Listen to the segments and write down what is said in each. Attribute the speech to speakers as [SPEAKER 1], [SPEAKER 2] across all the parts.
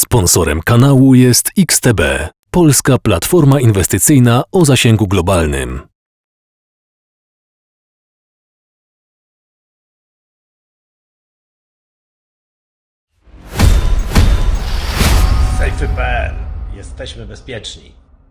[SPEAKER 1] Sponsorem kanału jest XTB, polska platforma inwestycyjna o zasięgu globalnym.
[SPEAKER 2] Safety.pl. Jesteśmy bezpieczni.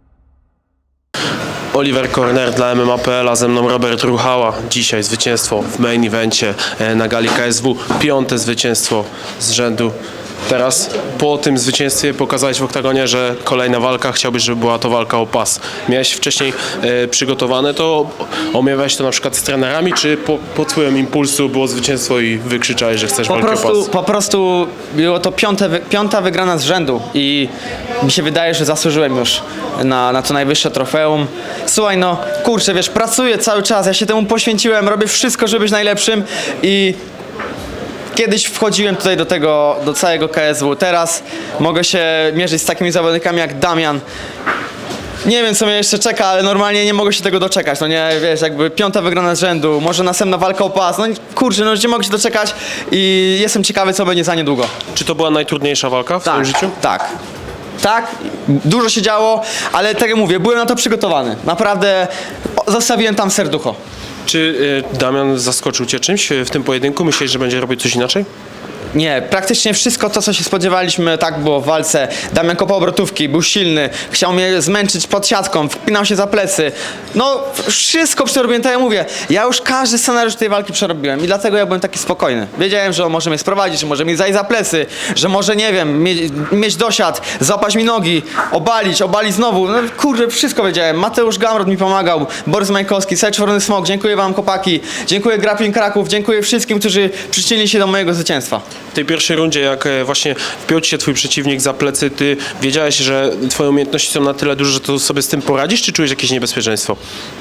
[SPEAKER 3] Oliver Korner dla MMA.pl, a ze mną Robert Ruchała. Dzisiaj zwycięstwo w main evencie na gali KSW. 5. zwycięstwo z rzędu. Teraz po tym zwycięstwie pokazałeś w oktagonie, że kolejna walka, chciałbyś, żeby była to walka o pas. Miałeś wcześniej przygotowane to, omawiałeś to na przykład z trenerami, czy pod wpływem impulsu było zwycięstwo i wykrzyczałeś, że chcesz walki o pas?
[SPEAKER 4] Po prostu było to piąta wygrana z rzędu i mi się wydaje, że zasłużyłem już na to najwyższe trofeum. Słuchaj, no kurczę, wiesz, pracuję cały czas, ja się temu poświęciłem, robię wszystko, żeby być najlepszym i kiedyś wchodziłem tutaj do całego KSW, teraz mogę się mierzyć z takimi zawodnikami jak Damian. Nie wiem, co mnie jeszcze czeka, ale normalnie nie mogę się tego doczekać, no nie, wiesz, jakby 5. wygrana z rzędu, może następna walka o pas, no kurczę, no nie mogę się doczekać i jestem ciekawy, co będzie za niedługo.
[SPEAKER 3] Czy to była najtrudniejsza walka w twoim życiu?
[SPEAKER 4] Tak, dużo się działo, ale tak jak mówię, byłem na to przygotowany, naprawdę zostawiłem tam serducho.
[SPEAKER 3] Czy Damian zaskoczył cię czymś w tym pojedynku? Myślisz, że będzie robić coś inaczej?
[SPEAKER 4] Nie, praktycznie wszystko to, co się spodziewaliśmy, tak było w walce. Damian kopał obrotówki, był silny, chciał mnie zmęczyć pod siatką, wpinał się za plecy. No, wszystko przerobiłem, tak jak mówię. Ja już każdy scenariusz tej walki przerobiłem i dlatego ja byłem taki spokojny. Wiedziałem, że on może mnie sprowadzić, że może mnie zajść za plecy, że może, nie wiem, mieć dosiad, złapać mi nogi, obalić znowu. No kurde, wszystko wiedziałem. Mateusz Gamrot mi pomagał, Borys Majkowski, Czerwony Smok, dziękuję wam, chłopaki, dziękuję Grappling Kraków, dziękuję wszystkim, którzy przyczynili się do mojego zwycięstwa.
[SPEAKER 3] W tej pierwszej rundzie, jak właśnie wpiął ci się twój przeciwnik za plecy, ty wiedziałeś, że twoje umiejętności są na tyle duże, że to sobie z tym poradzisz, czy czujesz jakieś niebezpieczeństwo?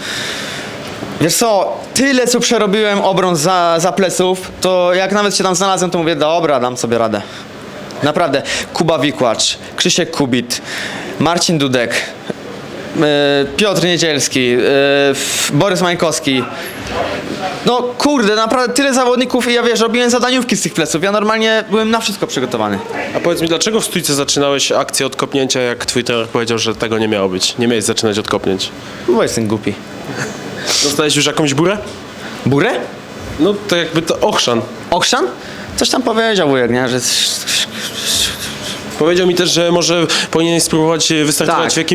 [SPEAKER 4] Wiesz co, tyle co przerobiłem obron za pleców, to jak nawet się tam znalazłem, to mówię, dobra, dam sobie radę. Naprawdę. Kuba Wikłacz, Krzysiek Kubit, Marcin Dudek, Piotr Niedzielski, Borys Majkowski. No kurde, naprawdę tyle zawodników i ja wiesz, robiłem zadaniówki z tych pleców. Ja normalnie byłem na wszystko przygotowany.
[SPEAKER 3] A powiedz mi, dlaczego w stójce zaczynałeś akcję od kopnięcia, jak twój trener powiedział, że tego nie miało być? Nie miałeś zaczynać od kopnięć.
[SPEAKER 4] Bo jestem głupi.
[SPEAKER 3] Dostałeś już jakąś burę?
[SPEAKER 4] Burę?
[SPEAKER 3] No to jakby to ochrzan.
[SPEAKER 4] Okrzan? Coś tam powiedział wujek, nie? Że...
[SPEAKER 3] Powiedział mi też, że może powinieneś spróbować wystartować
[SPEAKER 4] Tak.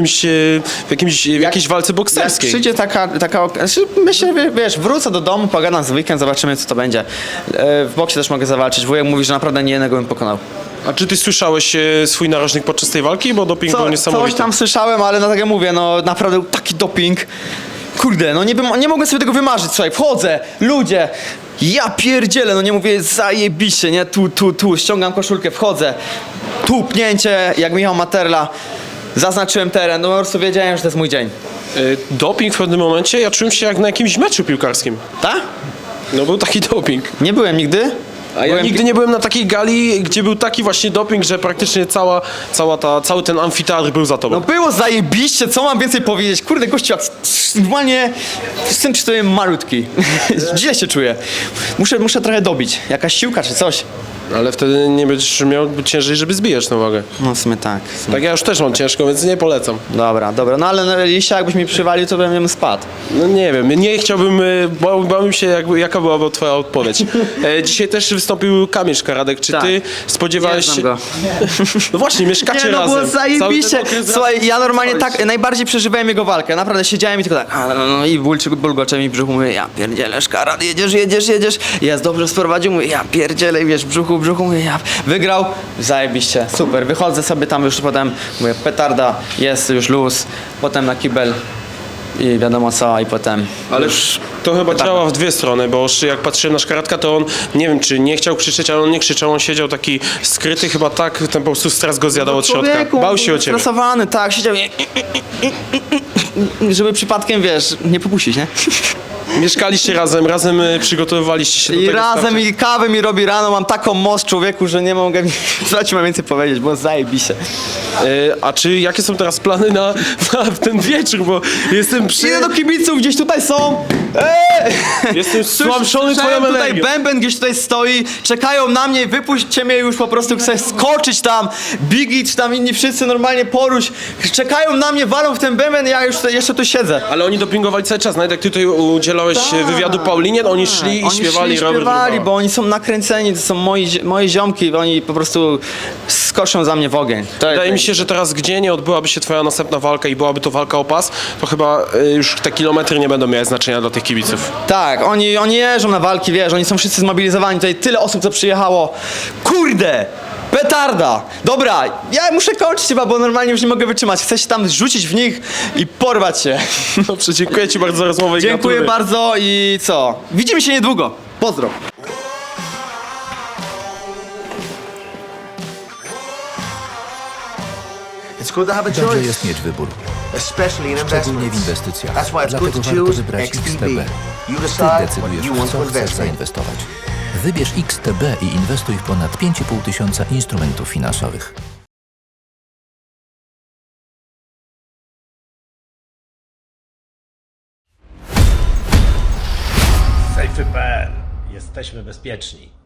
[SPEAKER 3] w jakiejś walce
[SPEAKER 4] Jak
[SPEAKER 3] bokserskiej.
[SPEAKER 4] przyjdzie taka znaczy, myślę, wiesz, wrócę do domu, pogadam z weekend, zobaczymy, co to będzie. W boksie też mogę zawalczyć. Wujek mówi, że naprawdę nie jednego bym pokonał.
[SPEAKER 3] A czy ty słyszałeś swój narożnik podczas tej walki? Bo doping był
[SPEAKER 4] Coś
[SPEAKER 3] niesamowity.
[SPEAKER 4] tam słyszałem, ale no tak jak mówię, no naprawdę taki doping. Kurde, no nie mogłem sobie tego wymarzyć, słuchaj, wchodzę, ludzie, ja pierdzielę, no nie mówię, zajebiście, nie, tu, ściągam koszulkę, wchodzę, tu pnięcie, jak Michał Materla, zaznaczyłem teren, no po prostu wiedziałem, że to jest mój dzień.
[SPEAKER 3] Doping w pewnym momencie, ja czułem się jak na jakimś meczu piłkarskim.
[SPEAKER 4] Tak?
[SPEAKER 3] No był taki doping.
[SPEAKER 4] Nie byłem nigdy.
[SPEAKER 3] A ja nigdy nie byłem na takiej gali, gdzie był taki właśnie doping, że praktycznie cały ten amfiteatr był za tobą.
[SPEAKER 4] No było zajebiście, co mam więcej powiedzieć? Kurde, gościu, normalnie jestem przy tobie malutki. Źle się czuję. Muszę trochę dobić. Jakaś siłka czy coś.
[SPEAKER 3] Ale wtedy nie będziesz miał ciężej, żeby zbijać tę wagę.
[SPEAKER 4] No w sumie tak.
[SPEAKER 3] Tak ja już też mam ciężko, więc nie polecam.
[SPEAKER 4] Dobra, no ale jeśli jakbyś mi przywalił, to bym spadł.
[SPEAKER 3] No nie wiem, nie chciałbym, bałbym się jaka byłaby twoja odpowiedź. Dzisiaj też wystąpił Kamil Szkaradek, czy
[SPEAKER 4] Tak.
[SPEAKER 3] ty spodziewałeś się...
[SPEAKER 4] go.
[SPEAKER 3] No właśnie, mieszkacie
[SPEAKER 4] Nie, no
[SPEAKER 3] razem.
[SPEAKER 4] było zajebiście.
[SPEAKER 3] Cały ten okres
[SPEAKER 4] Słuchaj,
[SPEAKER 3] razem
[SPEAKER 4] ja normalnie
[SPEAKER 3] spałeś.
[SPEAKER 4] tak najbardziej przeżywałem jego walkę. Naprawdę siedziałem i tylko tak, no i bulgocze mi w brzuchu, mówię, ja pierdzielę, Szkarad, jedziesz. Jest dobrze sprowadził, mówię, ja pierdzielę, wiesz, brzuchu, mówię, ja wygrał, zajebiście, super. Wychodzę sobie tam już potem, mówię, petarda, jest już luz, potem na kibel i wiadomo co, i potem
[SPEAKER 3] Ale
[SPEAKER 4] już...
[SPEAKER 3] to chyba
[SPEAKER 4] Tak.
[SPEAKER 3] działa w dwie strony, bo jak patrzyłem na Szkaradka, to on, nie wiem czy nie chciał krzyczeć, ale on nie krzyczał, on siedział taki skryty, chyba tak, ten po prostu stres go zjadał od środka.
[SPEAKER 4] Człowieku,
[SPEAKER 3] Bał się o ciebie.
[SPEAKER 4] stresowany, tak, siedział i żeby przypadkiem, wiesz, nie popuścić, nie?
[SPEAKER 3] Mieszkaliście razem przygotowywaliście się do
[SPEAKER 4] I
[SPEAKER 3] tego
[SPEAKER 4] razem
[SPEAKER 3] starcia.
[SPEAKER 4] i kawę mi robi rano, mam taką moc człowieku, że nie mogę co ci mam więcej powiedzieć, bo zajebiście.
[SPEAKER 3] A jakie są teraz plany na ten wieczór, bo jestem
[SPEAKER 4] Idę do kibiców, gdzieś tutaj są.
[SPEAKER 3] Jestem stłamszony twoją
[SPEAKER 4] Słyszałem, tutaj
[SPEAKER 3] energią.
[SPEAKER 4] bęben gdzieś tutaj stoi, czekają na mnie, wypuśćcie mnie już po prostu, chcę skoczyć tam, Biggie czy tam inni wszyscy normalnie poruś, czekają na mnie, walą w ten bęben, ja już jeszcze tu siedzę.
[SPEAKER 3] Ale oni dopingowali cały czas, nawet jak ty tutaj udzielałeś wywiadu Paulinie, to oni szli i śpiewali Robert
[SPEAKER 4] śpiewali,
[SPEAKER 3] Ruchała.
[SPEAKER 4] bo oni są nakręceni, to są moje ziomki, oni po prostu skoczą za mnie w ogień.
[SPEAKER 3] Wydaje mi się, że teraz gdzie nie odbyłaby się twoja następna walka i byłaby to walka o pas, to chyba już te kilometry nie będą miały znaczenia dla tych kibiców.
[SPEAKER 4] Tak, oni jeżdżą na walki, wiesz, oni są wszyscy zmobilizowani, tutaj tyle osób, co przyjechało. Kurde! Petarda! Dobra, ja muszę kończyć chyba, bo normalnie już nie mogę wytrzymać. Chcę się tam rzucić w nich i porwać się.
[SPEAKER 3] Dobrze, dziękuję ci bardzo za rozmowę i
[SPEAKER 4] Dziękuję
[SPEAKER 3] gratuluję.
[SPEAKER 4] bardzo i co? Widzimy się niedługo. Pozdro.
[SPEAKER 5] It's good to have a
[SPEAKER 6] Dobrze
[SPEAKER 5] choice,
[SPEAKER 6] jest mieć wybór,
[SPEAKER 5] especially in
[SPEAKER 6] szczególnie w
[SPEAKER 5] investments.
[SPEAKER 6] inwestycjach.
[SPEAKER 5] That's why it's good
[SPEAKER 6] Dlatego
[SPEAKER 5] to
[SPEAKER 6] warto
[SPEAKER 5] choose
[SPEAKER 6] wybrać
[SPEAKER 5] XTB.
[SPEAKER 6] XTB.
[SPEAKER 5] You
[SPEAKER 6] Ty
[SPEAKER 5] decide what
[SPEAKER 6] decydujesz,
[SPEAKER 5] you
[SPEAKER 6] w
[SPEAKER 5] want
[SPEAKER 6] co
[SPEAKER 5] to
[SPEAKER 6] chcesz
[SPEAKER 5] invest in.
[SPEAKER 6] zainwestować. Wybierz XTB i inwestuj w ponad 5,5 tysiąca instrumentów finansowych.
[SPEAKER 2] Safety.pl. Jesteśmy bezpieczni.